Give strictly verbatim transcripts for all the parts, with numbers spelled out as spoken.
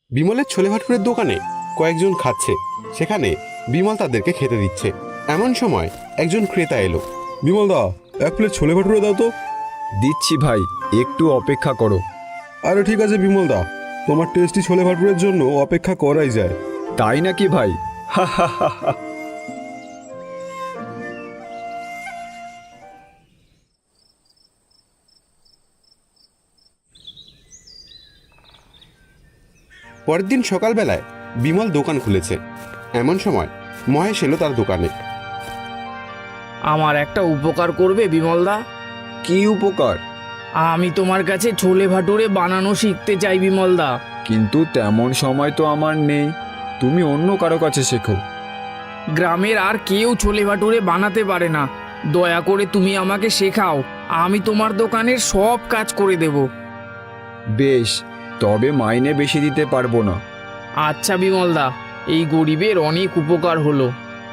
বিমলের ছোলে ভাটুরের দোকানে কয়েকজন খাচ্ছে, সেখানে বিমল তাদেরকে খেতে দিচ্ছে। এমন সময় একজন ক্রেতা এলো। বিমল দা, এক প্লেট ছোলে ভাটুরে দাও তো। দিচ্ছি ভাই, একটু অপেক্ষা করো। আরে ঠিক আছে বিমল দা, তোমার টেস্টি ছোলে ভাটুরের জন্য অপেক্ষা করাই যায়। তাই নাকি ভাই? হা হা হা হা। পরের দিন সকালবেলায় বিমল দোকান খুলেছে। এমন সময় মহেশ এলো তার দোকানে। আমার একটা উপকার করবে বিমলদা? কি উপকার? আমি তোমার কাছে ছোলে ভাটুরে বানানো শিখতে চাই বিমলদা। কিন্তু তেমন সময় তো আমার নেই, তুমি অন্য কারো কাছে শেখো। গ্রামের আর কেউ ছোলে ভাটুরে বানাতে পারে না, দয়া করে তুমি আমাকে শেখাও। আমি তোমার দোকানের সব কাজ করে দেব। বেশ, তবে মাইনে বেশি দিতে পারবো না। আচ্ছা বিমলদা, এই গরিবের অনেক উপকার হলো।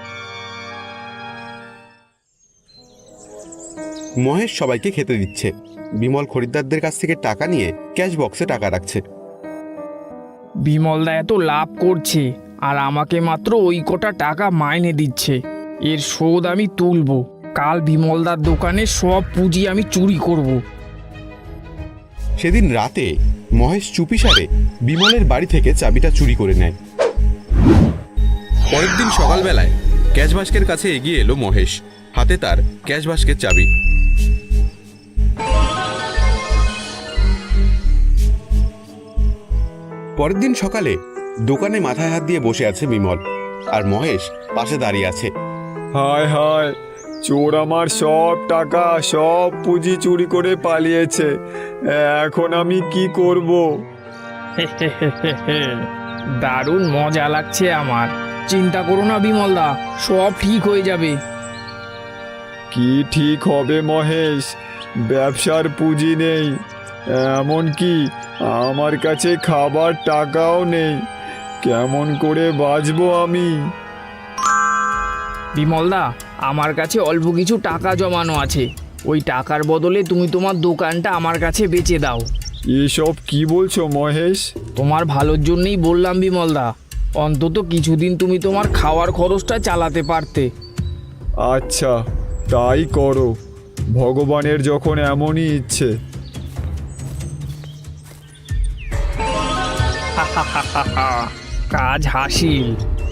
মহেশ সবাইকে খেতে দিচ্ছে। বিমল খরিদ্দারদের কাছ থেকে টাকা নিয়ে ক্যাশ বক্সে টাকা রাখছে। বিমলদা এত লাভ করছে আর আমাকে মাত্র ওই কটা টাকা মাইনে দিচ্ছে। এর শোধ আমি তুলব। কাল বিমলদার দোকানে সব পুঁজি আমি চুরি করব। সেদিন রাতে মহেশ চুপিসারে বিমলের বাড়ি থেকে চাবিটা চুরি করে নেয়। পরের দিন সকালবেলায় ক্যাশ বাস্কের কাছে এগিয়ে এলো মহেশ, হাতে তার ক্যাশ বাস্কের চাবি। পরের দিন সকালে দোকানে মাথায় হাত দিয়ে বসে আছে বিমল, আর মহেশ পাশে দাঁড়িয়ে আছে। হায় হায়, চোর আমার সব টাকা সব পুঁজি চুরি করে পালিয়েছে। এখন আমি কি করব? দারুণ মজা লাগছে আমার। চিন্তা করো না বিমলদা, সব ঠিক হয়ে যাবে। কি ঠিক হবে মহেশ? ব্যবসার পুঁজি নেই, এমনকি আমার কাছে খাবার টাকাও নেই। কেমন করে বাঁচবো আমি? বিমলদা, আমার কাছে অল্প কিছু টাকা জমানো আছে। ওই টাকার বদলে তুমি তোমার দোকানটা আমার কাছে বেচে দাও। এসব কি বলছো মহেশ? তোমার ভালোর জন্যই বললাম বিমলদা, অন্তত কিছুদিন তুমি তোমার খাওয়ার খরচটা চালাতে পারতে। আচ্ছা, তাই করো। ভগবানের যখন এমনই ইচ্ছে। কাজ হাসিল।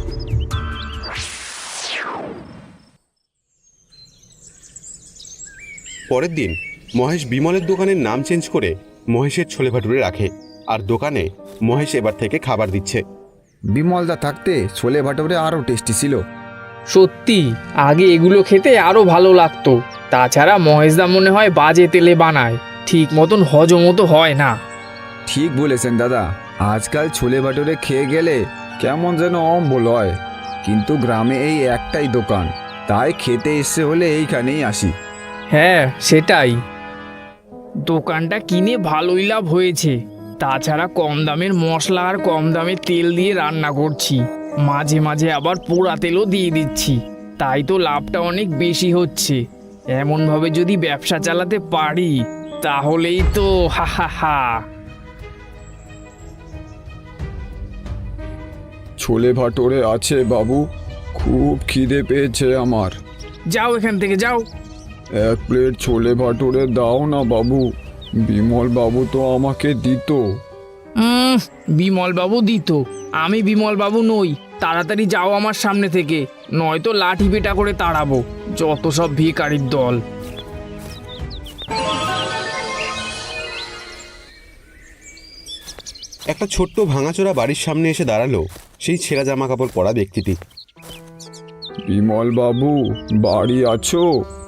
পরের দিন মহেশ বিমলের দোকানের নাম চেঞ্জ করে মহেশের ছোলে ভাটুরে রাখে, আর দোকানে মহেশ এবার থেকে খাবার দিচ্ছে। বিমলদা থাকতে ছোলে ভাটুরে আরও টেস্টি ছিল। সত্যি, আগে এগুলো খেতে আরো ভালো লাগতো। তাছাড়া মহেশদা মনে হয় বাজে তেলে বানায়, ঠিক মতন হজমও তো হয় না। ঠিক বলেছেন দাদা, আজকাল ছোলে ভাটুরে খেয়ে গেলে কেমন যেন অম্বল হয়। কিন্তু গ্রামে এই একটাই দোকান, তাই খেতে এসে হলে এইখানেই আসি। হ্যাঁ সেটাই, দোকানটা কিনে ভালোই লাভ হয়েছে। তাছাড়া কম দামের মশলা আর কম দামের তেল দিয়ে রান্না করছি, মাঝে মাঝে আবার পোড়া তেলও দিয়ে দিচ্ছি, তাই তো লাভটা অনেক বেশি হচ্ছে। এমনভাবে যদি ব্যবসা চালাতে পারি তাহলেই তো হা হা হা। ছোলে ভাটুরে আছে বাবু? খুব খিদে পেয়েছে আমার। যাও এখান থেকে যাও। এক প্লেট ছোলে ভাটুরে দাও না বাবু, বিমল বাবু তো আমাকে দিত। উম, বিমল বাবু দিত? আমি বিমল বাবু নই। তাড়াতাড়ি যাও আমার সামনে থেকে, নয়তো লাঠি পেটা করে তাড়াবো। যত সব ভিখারির দল। একটা ছোট্ট ভাঙাচোরা বাড়ির সামনে এসে দাঁড়ালো সেই ছেঁড়া জামা কাপড় পরা ব্যক্তিটি। বিমল বাবু বাড়ি আছো?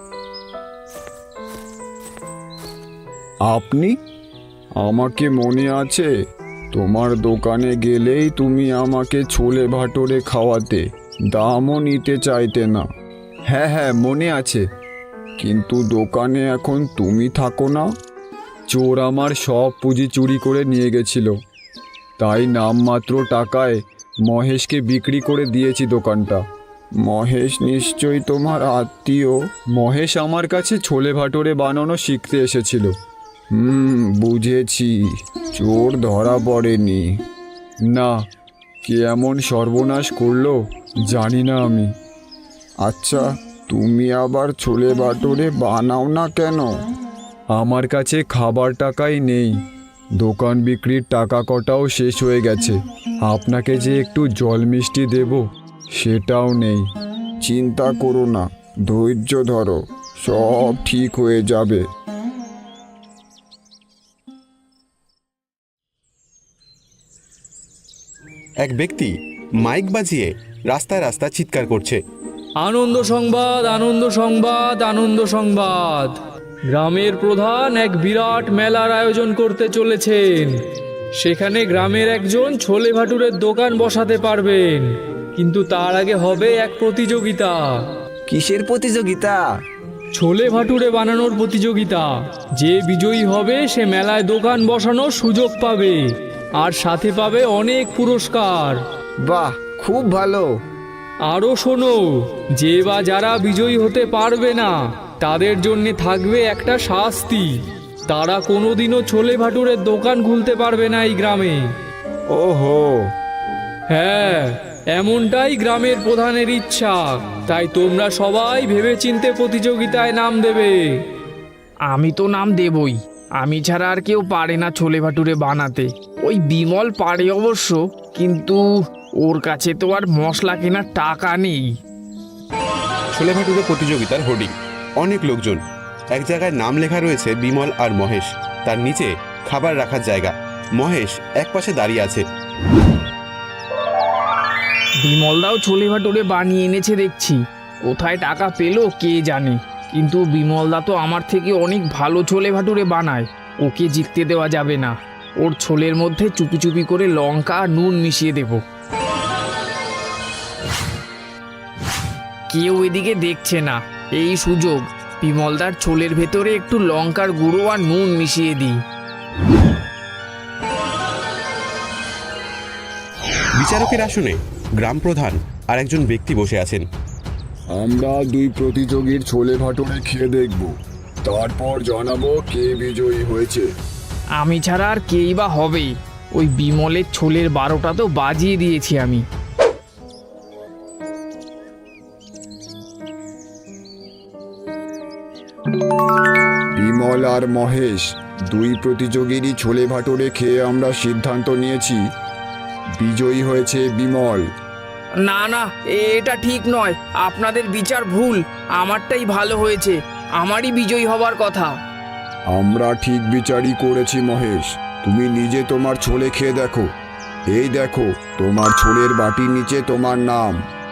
আপনি? আমাকে মনে আছে, তোমার দোকানে গেলেই তুমি আমাকে ছোলে ভাটুরে খাওয়াতে, দামও নিতে চাইতে না। হ্যাঁ হ্যাঁ মনে আছে। কিন্তু দোকানে এখন তুমি থাকো না। চোর আমার সব পুঁজি চুরি করে নিয়ে গেছিল, তাই নামমাত্র টাকায় মহেশকে বিক্রি করে দিয়েছি দোকানটা। মহেশ নিশ্চয়ই তোমার আত্মীয়। মহেশ আমার কাছে ছোলে ভাটুরে বানানো শিখতে এসেছিল। হুম, বুঝেছি, চোর ধরা পড়েনি। না, কে এমন সর্বনাশ করলো জানি না আমি। আচ্ছা, তুমি আবার ছোলে ভাটুরে বানাও না কেন? আমার কাছে খাবার টাকাই নেই, দোকান বিক্রির টাকা কটাও শেষ হয়ে গেছে। আপনাকে যে একটু জল মিষ্টি দেব সেটাও নেই। চিন্তা করো না, ধৈর্য ধরো, সব ঠিক হয়ে যাবে। এক ব্যক্তি মাইক বাজিয়ে রাস্তায় রাস্তায় চিৎকার করছে। আনন্দ সংবাদ, আনন্দ সংবাদ, আনন্দ সংবাদ! গ্রামের প্রধান এক বিরাট মেলার আয়োজন করতে চলেছেন। সেখানে গ্রামের একজন ছোলে ভাটুরের দোকান বসাতে পারবেন, কিন্তু তার আগে হবে এক প্রতিযোগিতা। কিসের প্রতিযোগিতা? ছোলে ভাটুরে বানানোর প্রতিযোগিতা। যে বিজয়ী হবে সে মেলায় দোকান বসানোর সুযোগ পাবে, আর সাথে পাবে অনেক পুরস্কার। বাহ, খুব ভালো। আরও শোনো, যে বা যারা বিজয়ী হতে পারবে না তাদের জন্য থাকবে একটা শাস্তি। তারা কোনোদিনও ছোলে ভাটুরের দোকান খুলতে পারবে না এই গ্রামে। ওহো, হ্যাঁ, এমনটাই গ্রামের প্রধানের ইচ্ছা। তাই তোমরা সবাই ভেবেচিন্তে প্রতিযোগিতায় নাম দেবে। আমি তো নাম দেবই, আমি ছাড়া আর কেউ পারে না ছোলে ভাটুরে বানাতে। ওই বিমল পারে অবশ্য, কিন্তু ওর কাছে তো আর মশলা কেনার টাকা নেই। ছোলে ভাটুরে প্রতিযোগিতার হোর্ডিং, অনেক লোকজন। এক জায়গায় নাম লেখা রয়েছে বিমল আর মহেশ, তার নিচে খাবার রাখার জায়গা। মহেশ এক পাশে দাঁড়িয়ে আছে। বিমলদাও ছোলে ভাটুরে বানিয়ে এনেছে দেখছি। কোথায় টাকা পেলো কে জানে, কিন্তু বিমলদা তো আমার থেকে অনেক ভালো ছোলে ভাটুরে বানায়। ওকে জিততে দেওয়া যাবে না। ওর ছোলের মধ্যে চুপি চুপি করে লঙ্কা আর নুন মিশিয়ে দেব। কেউ এদিকে দেখছে না, এই সুযোগ। বিমলদার ছোলের ভেতরে একটু লঙ্কার গুঁড়ো আর নুন মিশিয়ে দিই। বিচারকের আসনে গ্রাম প্রধান আর একজন ব্যক্তি বসে আছেন। আমরা দুই প্রতিযোগীর ছোলে ভাটুরে খেয়ে দেখব, তারপর জানাবো কে বিজয়ী হয়েছে। আমি ছাড়া আর কেই বা হবে? ওই বিমলের ছোলের বারোটা তো বাজিয়ে দিয়েছি আমি। বিমল আর মহেশ, দুই প্রতিযোগীরই ছোলে ভাটুরে খেয়ে আমরা সিদ্ধান্ত নিয়েছি বিজয়ী হয়েছে বিমল। না না, এটা ঠিক নয়। আপনাদের বিচার ভুল। আমারটাই ভালো হয়েছে, আমারই বিজয়ী হবার কথা। আমরা ঠিক বিচারই করেছি মহেশ। তুমি নিজে তোমার ছোলে খেয়ে দেখো। এই দেখো, তোমার ছোলের বাটির নিচে তোমার নাম।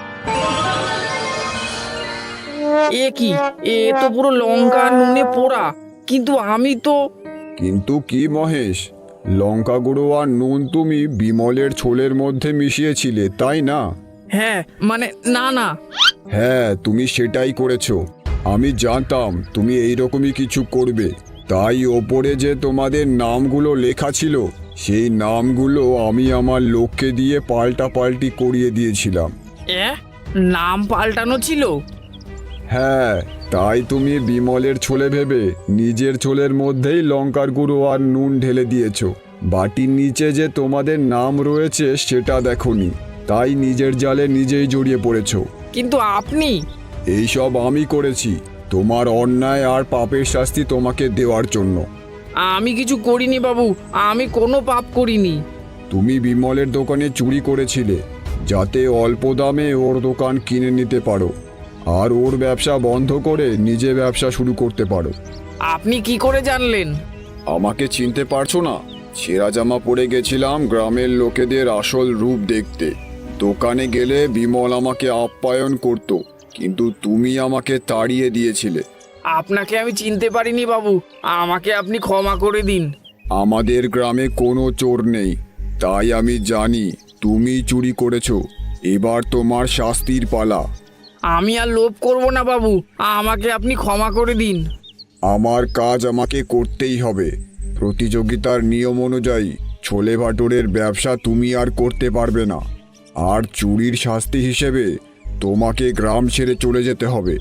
এ কি, এ তো পুরো লঙ্কা আর নুনে পোড়া। কিন্তু আমি তো... কিন্তু কি মহেশ, লঙ্কা গুঁড়ো আর নুন তুমি বিমলের ছোলের মধ্যে মিশিয়েছিলে, তাই না? হ্যাঁ, মানে না না। হ্যাঁ, তুমি সেটাই করেছো। আমি জানতাম তুমি এইরকমই কিছু করবে, তাই ওপরে যে তোমাদের নামগুলো লেখা ছিল সেই নামগুলো আমি আমার লোককে দিয়ে পাল্টা পাল্টি করিয়ে দিয়েছিলাম। এ, নাম পাল্টানো ছিল? হ্যাঁ, তাই তুমি বিমলের ছোলে ভেবে নিজের ছোলের মধ্যেই লঙ্কার গুঁড়ো আর নুন ঢেলে দিয়েছো। বাটির নিচে যে তোমাদের নাম রয়েছে সেটা দেখোনি, তাই নিজের জালে নিজেই জড়িয়ে পড়েছো। কিন্তু আপনি... এইসব আমি করেছি তোমার অন্যায় আর পাপের শাস্তি তোমাকে দেওয়ার জন্য। আমি কিছু করিনি বাবু, আমি কোনো পাপ করিনি। তুমি বিমলের দোকানে চুরি করেছিলে যাতে অল্প দামে ওর দোকান কিনে নিতে পারো আর ওর ব্যবসা বন্ধ করে নিজে ব্যবসা শুরু করতে পারো। আপনি কি করে জানলেন? আমাকে চিনতে পারছো না? ছেঁড়া জামা পরে গেছিলাম গ্রামের লোকেদের আসল রূপ দেখতে। দোকানে গেলে বিমল আমাকে আপ্যায়ন করত, কিন্তু তুমি আমাকে তাড়িয়ে দিয়েছিলে। আপনাকে আমি চিনতে পারিনি বাবু, আমাকে আপনি ক্ষমা করে দিন। আমাদের গ্রামে কোনো চোর নেই, তাই আমি জানি তুমি চুরি করেছো। এবার তোমার শাস্তির পালা। আমি আর লোভ করব না বাবু, আমাকে আপনি ক্ষমা করে দিন। আমার কাজ আমাকে করতেই হবে। প্রতিযোগিতার নিয়ম অনুযায়ী ছোলে ভাটুরের ব্যবসা তুমি আর করতে পারবে না, আর চুরির শাস্তি হিসেবে তোমাকে গ্রাম ছেড়ে চলে যেতে হবে।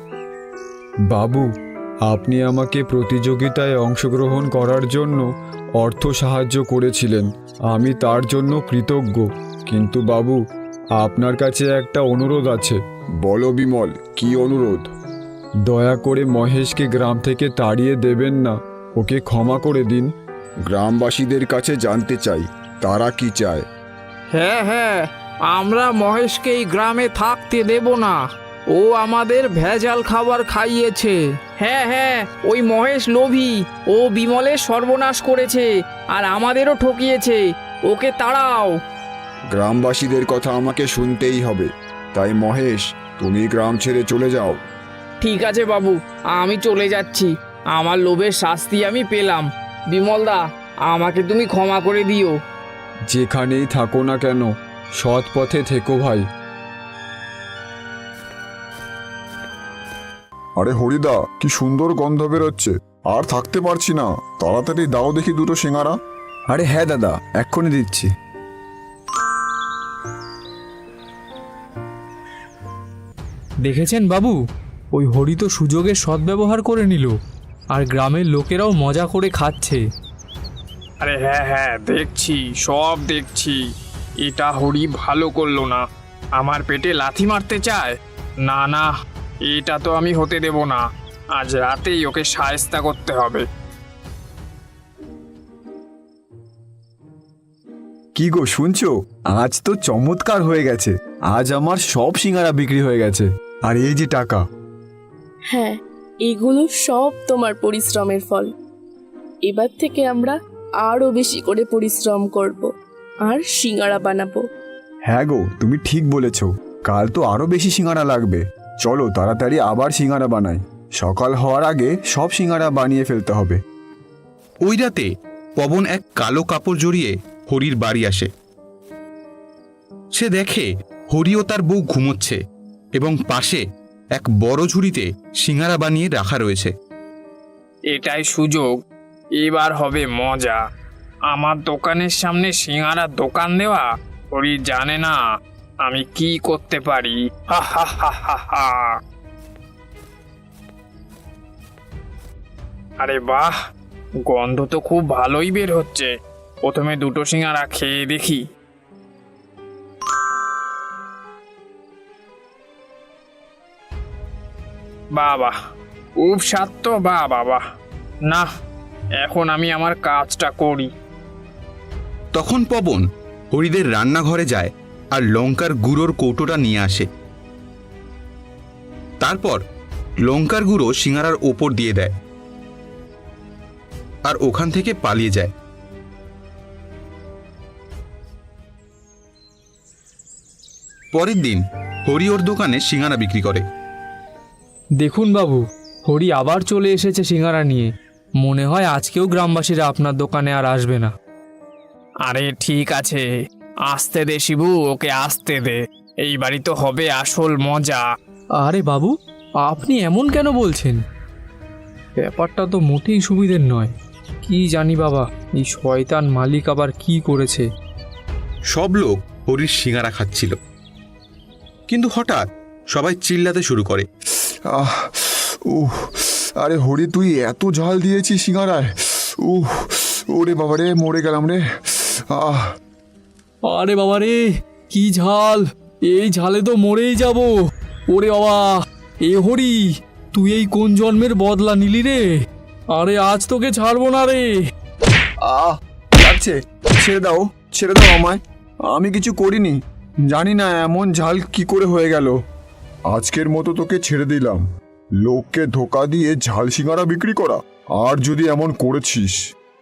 বাবু, আপনি আমাকে প্রতিযোগিতায় অংশগ্রহণ করার জন্য অর্থ সাহায্য করেছিলেন, আমি তার জন্য কৃতজ্ঞ। কিন্তু বাবু, আপনার কাছে একটা অনুরোধ আছে। বলো বিমল, কি অনুরোধ? দয়া করে মহেশকে গ্রাম থেকে তাড়িয়ে দেবেন না, ওকে ক্ষমা করে দিন। গ্রামবাসীদের কাছে জানতে চাই তারা কি চায়। হ্যাঁ হ্যাঁ, আমরা মহেশকে এই গ্রামে থাকতে দেব না। ও আমাদের ভেজাল খাবার খাইয়েছে। হ্যাঁ হ্যাঁ, ওই মহেশ লোভী। ও বিমলের সর্বনাশ করেছে আর আমাদেরও ঠকিয়েছে। ওকে তাড়াও। গ্রামবাসীদের কথা আমাকে শুনতেই হবে। তাই মহেশ, তুমি গ্রাম ছেড়ে চলে যাও। ঠিক আছে বাবু, আমি চলে যাচ্ছি। আমার লোভের শাস্তি আমি পেলাম। বিমলদা, আমাকে তুমি ক্ষমা করে দিও। যেখানেই থাকো না কেন, সৎ পথে থেকো ভাই। আরে হরিদা, কি সুন্দর গন্ধ বেরোচ্ছে, আর থাকতে পারছি না। তাড়াতাড়ি দাও দেখি দুটো সিঙ্গারা। আরে হ্যাঁ দাদা, এক্ষুনি দিচ্ছি। দেখেছেন বাবু, ওই হরি তো সুযোগের সদ্ব্যবহার করে নিল, আর গ্রামের লোকেরাও মজা করে খাচ্ছে। আরে হ্যাঁ হ্যাঁ, দেখছি, সব দেখছি। এটা হরি ভালো করলো না, আমার পেটে লাথি মারতে চায়। না না, এটা তো আমি হতে দেব না। আজ রাতেই ওকে শায়েস্তা করতে হবে। কি গো শুনছো, আজ তো চমৎকার হয়ে গেছে। আজ আমার সব সিঙ্গারা বিক্রি হয়ে গেছে, আর এই যে টাকা। হ্যাঁ, এগুলো সব তোমার পরিশ্রমের ফল। এবার থেকে আমরা আরও বেশি করে পরিশ্রম করব আর সিঙ্গারা বানাবো। হ্যাঁ গো, তুমি ঠিক বলেছ। কাল তো আরো বেশি সিঙ্গারা লাগবে। চলো তাড়াতাড়ি আবার সিঙ্গারা বানাই। সকাল হওয়ার আগে সব সিঙ্গারা বানিয়ে ফেলতে হবে। ওই রাতে পবন এক কালো কাপড় জড়িয়ে হরির বাড়ি আসে। সে দেখে হরি ও তার বউ ঘুমোচ্ছে এবং পাশে এক বড় ঝুড়িতে সিঙ্গারা বানিয়ে রাখা রয়েছে। এটাই সুযোগ, এবার হবে মজা। আমার দোকানের সামনে সিঙ্গারার দোকান দেওয়া হরি জানে না আমি কি করতে পারি। হা হা হা হা হা। আরে বাহ, গন্ধ তো খুব ভালোই বের হচ্ছে। প্রথমে দুটো সিঙ্গারা খেয়ে দেখি। বাবা, খুব স্বাদ তো। বা বাবা, না, এখন আমি আমার কাজটা করি। তখন পবন হরিদের রান্নাঘরে যায় আর লঙ্কার গুঁড়োর কৌটোটা নিয়ে আসে। তারপর লঙ্কার গুঁড়ো সিঙ্গারার ওপর দিয়ে দেয় আর ওখান থেকে পালিয়ে যায়। পরের দিন হরি ওর দোকানে সিঙ্গারা বিক্রি করে। দেখুন বাবু, হরি আবার চলে এসেছে সিঙ্গারা নিয়ে। মনে হয় আজকেও গ্রামবাসীরা আপনার দোকানে আর আসবে না। আরে ঠিক আছে, আসতে দে শিবু, ওকে আসতে দে। এইবারই তো হবে আসল মজা। আরে বাবু, আপনি এমন কেন বলছেন? ব্যাপারটা তো মোটেই সুবিধের নয়। কি জানি বাবা, এই শয়তান মালিক আবার কি করেছে। সব লোক হরির সিঙ্গারা খাচ্ছিল, কিন্তু হঠাৎ সবাই চিল্লাতে শুরু করে। আহ উহ আরে হরি, তুই এত ঝাল দিয়েছিস সিঙ্গারায়। উহ ওরে বাবা রে, মরে গেলাম রে। আহ আরে বাবা রে, কি ঝাল! এই ঝালে তো মরেই যাব। ওরে বাবা, এ হরি, তুই এই কোন জন্মের বদলা নিলি রে? আরে আজ তোকে ছাড়বো না রে। আহ লাগছে, ছেড়ে দাও, ছেড়ে দাও আমায়। আমি কিছু করিনি, জানি না এমন ঝাল কি করে হয়ে গেল। আজকের মতো তোকে ছেড়ে দিলাম। লোককে ধোকা দিয়ে ঝাল সিঙ্গারা বিক্রি করা, আর যদি এমন করেছিস।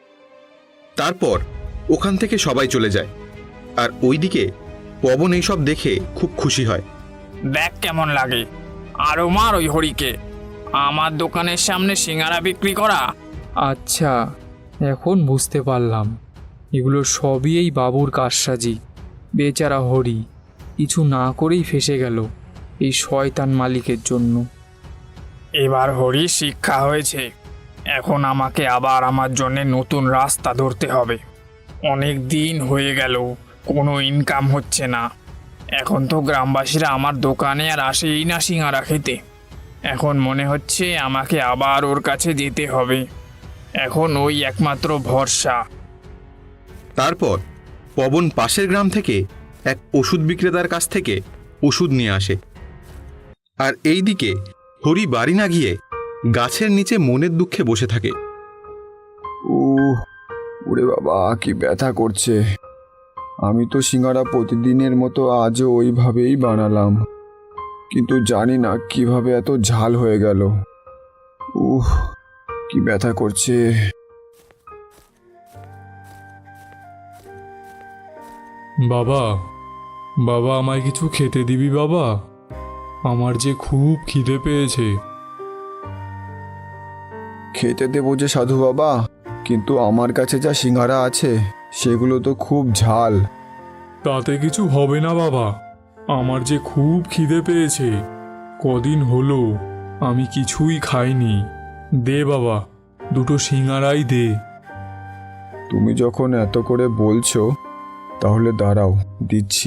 তারপর ওখান থেকে সবাই চলে যায়, আর ওইদিকে পবন এইসব দেখে খুব খুশি হয়। দেখ কেমন লাগে, আরো মার ওই হরিকে। আমার দোকানের সামনে সিঙ্গারা বিক্রি করা। আচ্ছা, এখন বুঝতে পারলাম, এগুলো সবই এই বাবুর কারসাজি। বেচারা হরি কিছু না করেই ফেসে গেল এই শয়তান মালিকের জন্য। এবার হরি শিক্ষা হয়েছে। এখন আমাকে আবার আমার জন্য নতুন রাস্তা ধরতে হবে। অনেক দিন হয়ে গেল কোনো ইনকাম হচ্ছে না। এখন তো গ্রামবাসীরা আমার দোকানে আর আসেই না সিঙ্গারা খেতে। এখন মনে হচ্ছে আমাকে আবার ওর কাছে যেতে হবে। এখন ওই একমাত্র ভরসা। তারপর পবন পাশের গ্রাম থেকে এক ওষুধ বিক্রেতার কাছ থেকে ওষুধ নিয়ে আসে। আর এইদিকে হরি বাড়ি না গিয়ে গাছের নিচে মনের দুঃখে বসে থাকে। উহ ওরে বাবা কি ব্যথা করছে। আমি তো সিঙ্গারা প্রতিদিনের মতো আজও ওইভাবেই বানালাম, কিন্তু জানি না কিভাবে এত ঝাল হয়ে গেল। উহ কি ব্যথা করছে। বাবা, বাবা আমায় কিছু খেতে দিবি বাবা? আমার যে খুব খিদে পেয়েছে। খেতে দেবো যে সাধু বাবা, কিন্তু আমার কাছে যা সিঙ্গারা আছে সেগুলো তো খুব ঝাল। তাতে কিছু হবে না বাবা, আমার যে খুব খিদে পেয়েছে। কদিন হলো আমি কিছুই খাইনি। দে বাবা, দুটো সিঙ্গারাই দে। তুমি যখন এত করে বলছো তাহলে দাঁড়াও, দিচ্ছি।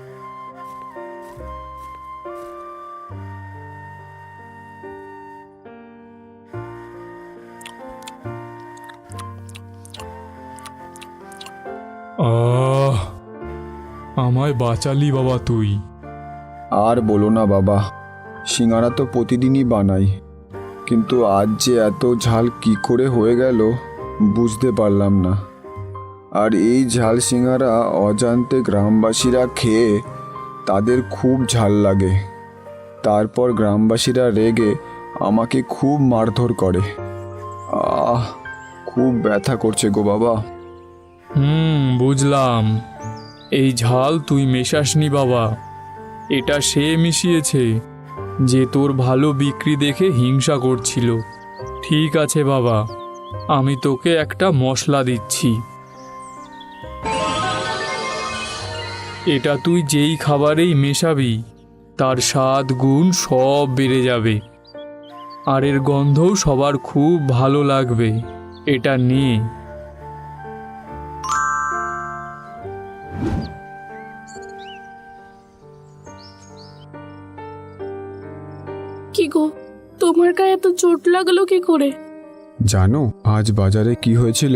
আহ, আমায় বাঁচালি বাবা তুই। আর বলো না বাবা, সিঙ্গারা তো প্রতিদিনই বানাই, কিন্তু আজ যে এত ঝাল কি করে হয়ে গেল বুঝতে পারলাম না। আর এই ঝাল সিঙ্গারা অজান্তে গ্রামবাসীরা খেয়ে তাদের খুব ঝাল লাগে। তারপর গ্রামবাসীরা রেগে আমাকে খুব মারধর করে। আহ খুব ব্যথা করছে গো বাবা। হুম, বুঝলাম। এই ঝাল তুই মেশাসনি বাবা, এটা সে মিশিয়েছে যে তোর ভালো বিক্রি দেখে হিংসা করছিল। ঠিক আছে বাবা, আমি তোকে একটা মশলা দিচ্ছি। এটা তুই যেই খাবারেই মেশাবি তার স্বাদ গুণ সব বেড়ে যাবে, আর এর গন্ধও সবার খুব ভালো লাগবে। এটা নে। কি গো, তোমার গায়ে এত চোট লাগলো কি করে? জানো আজ বাজারে কি হয়েছিল?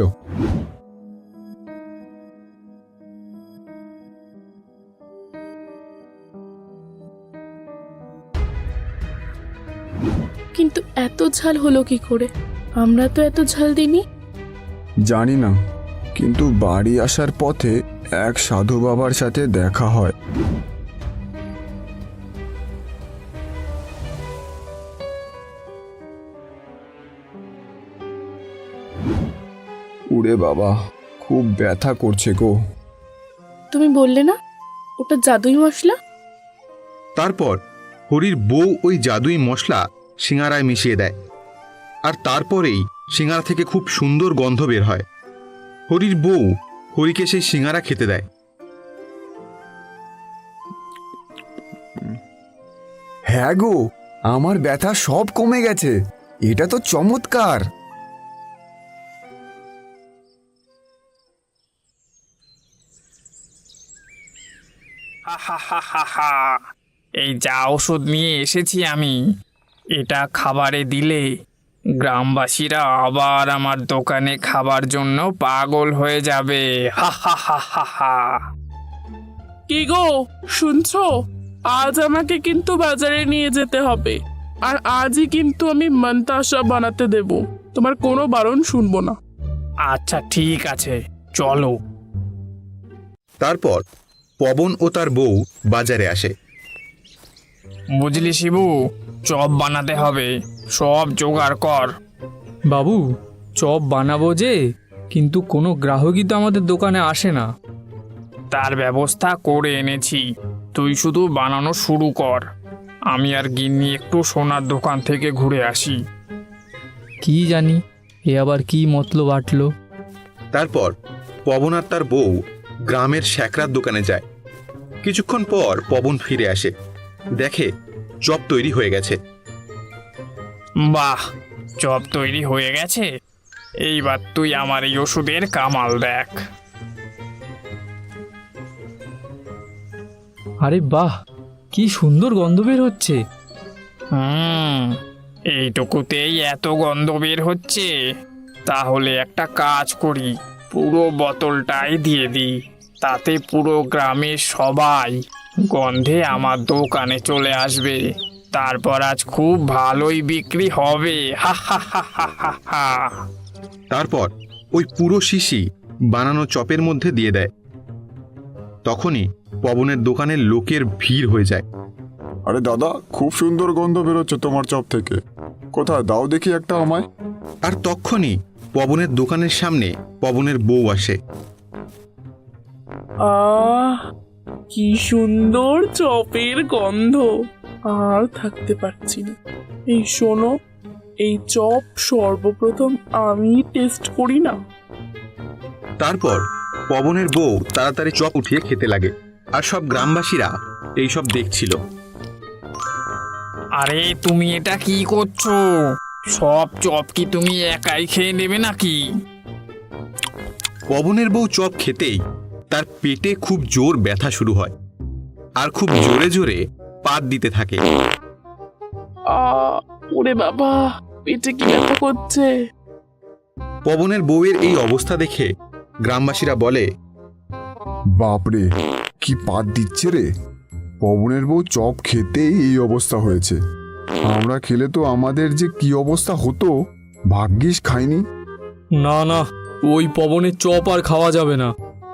কিন্তু এত ঝাল হলো কি করে? আমরা তো এত ঝাল দিইনি। জানি না, কিন্তু বাড়ি আসার পথে এক সাধু বাবার সাথে দেখা হয়। উড়ে বাবা, খুব ব্যথা করছে গো। তুমি বললে না ওটা জাদুই মশলা? তারপর হরির বউ ওই জাদুই মশলা সিঙ্গারায় মিশিয়ে দেয়, আর তারপরেই সিঙ্গারা থেকে খুব সুন্দর গন্ধ বের হয়। হরির বউ হরিকে সেই সিঙ্গারা খেতে দেয়। হ্যাঁ গো, আমার ব্যথা সব কমে গেছে। এটা তো চমৎকার। হা হা হা হা হা। এই যা ওষুধ নিয়ে এসেছি আমি, এটা খাবারে দিলে গ্রামবাসীরা আবার আমার দোকানে খাবার জন্য পাগল হয়ে যাবে। হা হা হা হা হা। কি গো, শুনছো? আজ আমাকে কিন্তু বাজারে নিয়ে যেতে হবে, আর আজই কিন্তু আমি মন্তাসা বানাতে দেব। তোমার কোনো বারণ শুনবো না। আচ্ছা ঠিক আছে, চলো। তারপর পবন ও তার বউ বাজারে আসে। বুঝলি শিবু, চপ বানাতে হবে, সব জোগাড় কর। বাবু, চপ বানাবো যে, কিন্তু কোনো গ্রাহকই তো আমাদের দোকানে আসে না। তার ব্যবস্থা করে এনেছি, তুই শুধু বানানো শুরু কর। আমি আর গিন্নি একটু সোনার দোকান থেকে ঘুরে আসি। কি জানি এ আবার কি মতলব আটলো। তারপর পবন আর তার বউ গ্রামের শ্যাকরার দোকানে যায়। কিছুক্ষণ পর পবন ফিরে আসে, দেখে চপ তৈরি হয়ে গেছে। বাহ, চপ তৈরি হয়ে গেছে। এইবার তুই আমার এই ওষুধের কামাল দেখ। আরে বাহ, কি সুন্দর গন্ধ বের হচ্ছে। হুম, এইটুকুতেই এত গন্ধ বের হচ্ছে। তাহলে একটা কাজ করি, পুরো বোতলটাই দিয়ে দিই, তাতে পুরো গ্রামের সবাই গন্ধে আমার দোকানে চলে আসবে। তারপর আজ খুব ভালোই বিক্রি হবে। হা হা হা হা হা হা। তারপর ওই পুরো শিশি বানানো চপের মধ্যে দিয়ে দেয়। তখনই পবনের দোকানের লোকের ভিড় হয়ে যায়। আরে দাদা, খুব সুন্দর গন্ধ বেরোচ্ছে তোমার চপ থেকে। কোথায় দাও দেখি একটা আমায়। আর তখনই পবনের দোকানের সামনে পবনের বউ আসে। আহ কি সুন্দর চপের গন্ধ, আর থাকতে পারছি না। এই শোনো, এই চপ সর্বপ্রথম আমি টেস্ট করি না। তারপর পবনের বউ তাড়াতাড়ি চপ উঠিয়ে খেতে লাগে, আর সব গ্রামবাসীরা এইসব দেখছিল। আরে তুমি এটা কি করছো? সব চপ কি তুমি একাই খেয়ে নেবে নাকি? পবনের বউ চপ খেতেই তার পেটে খুব জোর ব্যথা শুরু হয়, আর খুব জোরে জোরে পাত দিতে থাকে। আহ ওরে বাবা, পেটে কি ব্যথা করছে। পবনের বউয়ের এই অবস্থা দেখে গ্রামবাসীরা বলে, বাপরে, কি পাত দিচ্ছে রে! পবনের বউ চপ খেতেই এই অবস্থা হয়েছে। আমরা খেলে তো আমাদের যে কি অবস্থা হতো, ভাগ্যিস খাইনি। না না, ওই পবনের চপ আর খাওয়া যাবে না।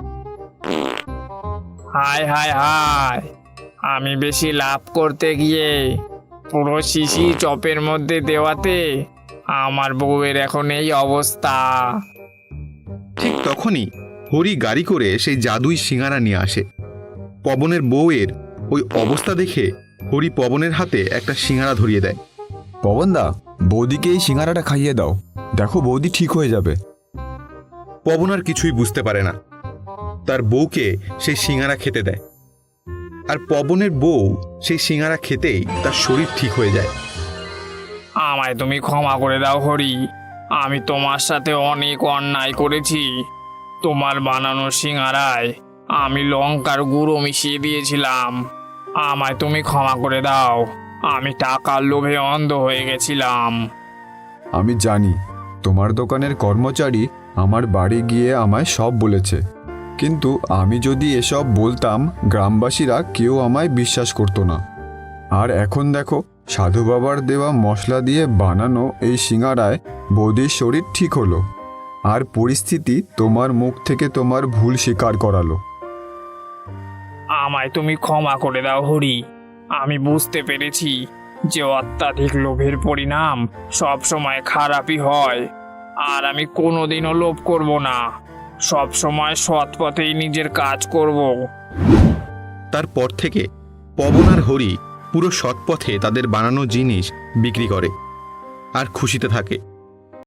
হায় হায় হায়, আমি বেশি লাভ করতে গিয়ে পুরো শিশি চপের মধ্যে দেওয়াতে আমার বউয়ের এখন এই অবস্থা। ঠিক তখনই হরি গাড়ি করে সেই জাদুই সিঙ্গারা নিয়ে আসে। পবনের বউয়ের ওই অবস্থা দেখে হরি পবনের হাতে একটা সিঙ্গারা ধরিয়ে দেয়। পবনদা, বৌদিকে এই সিঙ্গারাটা খাইয়ে দাও, দেখো বৌদি ঠিক হয়ে যাবে। পবন আর কিছুই বুঝতে পারে না, তার বউকে সেই সিঙ্গারা খেতে দেয়। আর পবনের বউ সেই সিঙ্গারা খেতেই তার শরীর ঠিক হয়ে যায়। আমায় তুমি ক্ষমা করে দাও হরি, আমি তোমার সাথে অনেক অন্যায় করেছি। তোমার বানানো সিঙ্গারায় আমি লঙ্কার গুঁড়ো মিশিয়ে দিয়েছিলাম। আমায় তুমি ক্ষমা করে দাও, আমি টাকার লোভে অন্ধ হয়ে গেছিলাম। আমি জানি তোমার দোকানের কর্মচারী আমার বাড়ি গিয়ে আমায় সব বলেছে, কিন্তু আমি যদি এসব বলতাম গ্রামবাসীরা কেউ আমায় বিশ্বাস করতো না। আর এখন দেখো, সাধু বাবার দেওয়া মশলা দিয়ে বানানো এই সিঙ্গারায় বৌদির শরীর ঠিক হলো, আর পরিস্থিতি তোমার মুখ থেকে তোমার ভুল স্বীকার করালো। আমায় তুমি ক্ষমা করে দাও হরি, আমি বুঝতে পেরেছি যে অত্যাধিক লোভের পরিণাম সব সময় খারাপই হয়। আর আমি কোনোদিনও লোভ করব না, সব সময় সৎ পথেই নিজের কাজ করব। তারপর থেকে পবন আর হরি পুরো সৎ পথে তাদের বানানো জিনিস বিক্রি করে আর খুশিতে থাকে।